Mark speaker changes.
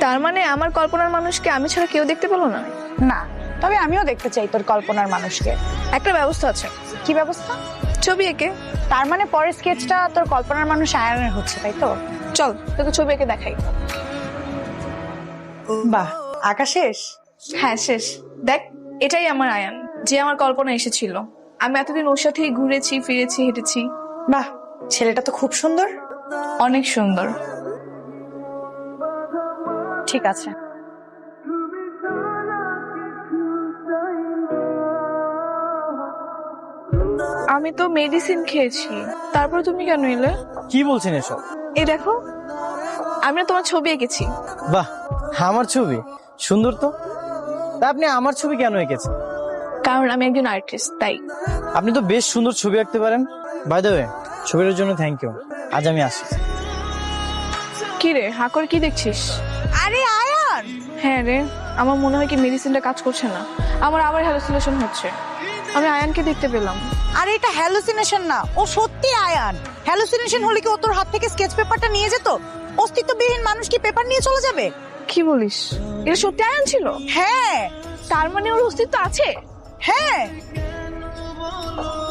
Speaker 1: তার মানে আমার কল্পনার মানুষকে আমি ছাড়া কেউ দেখতে পেলো না?
Speaker 2: না, তবে আমিও দেখতে চাই তোর কল্পনার মানুষকে।
Speaker 1: একটা ব্যবস্থা আছে।
Speaker 2: কি ব্যবস্থা?
Speaker 1: ছবি এঁকে।
Speaker 2: তার মানে পরের স্কেচটা তোর কল্পনার মানুষ আয়ানের হচ্ছে, তাই তো?
Speaker 1: চল তোকে ছবি এঁকে দেখাই।
Speaker 2: বাহ, আঁকা শেষ?
Speaker 1: হ্যাঁ শেষ। দেখ, এটাই আমার আয়ান, যে আমার কল্পনা এসেছিল। আমি এতদিন ওর সাথেই ঘুরেছি, ফিরেছি, হেঁটেছি।
Speaker 2: বাহ, ছেলেটা তো খুব সুন্দর।
Speaker 1: অনেক সুন্দর।
Speaker 2: ঠিক আছে।
Speaker 1: আমি তো মেডিসিন খেয়েছি, তারপর তুমি কেন এলে?
Speaker 3: কি বলছেন এসব?
Speaker 1: এই দেখো, আমি না তোমার ছবি এঁকেছি।
Speaker 3: বাহ, আমার ছবি সুন্দর তো। তা আপনি আমার ছবি কেন এঁকেছেন?
Speaker 1: কারণ আমি একজন আর্টিস্ট, তাই।
Speaker 3: আপনি তো বেশ সুন্দর ছবি আঁকতে পারেন। বাই দ্য ওয়ে, ছবিটার জন্য থ্যাংক ইউ। আজ আমি আসি।
Speaker 1: কি রে, হা করে কি দেখছিস?
Speaker 2: আরে আয়ান!
Speaker 1: হ্যাঁ রে, আমার মনে হয় কি মেডিসিনটা কাজ করছে না। আমার আবার হ্যালুসিনেশন হচ্ছে। আমি আয়ানকে দেখতে পেলাম।
Speaker 2: আরে এটা হ্যালুসিনেশন না, ও সত্যি আয়ান। হ্যালুসিনেশন হলে কি ও তোর হাত থেকে স্কেচ পেপারটা নিয়ে যেত? অস্তিত্ববিহীন মানুষ কি পেপার নিয়ে চলে যাবে?
Speaker 1: কি বলিস? এটা সত্যি আয়ান ছিল?
Speaker 2: হ্যাঁ।
Speaker 1: তার মানে ওর অস্তিত্ব আছে?
Speaker 2: হ্যাঁ।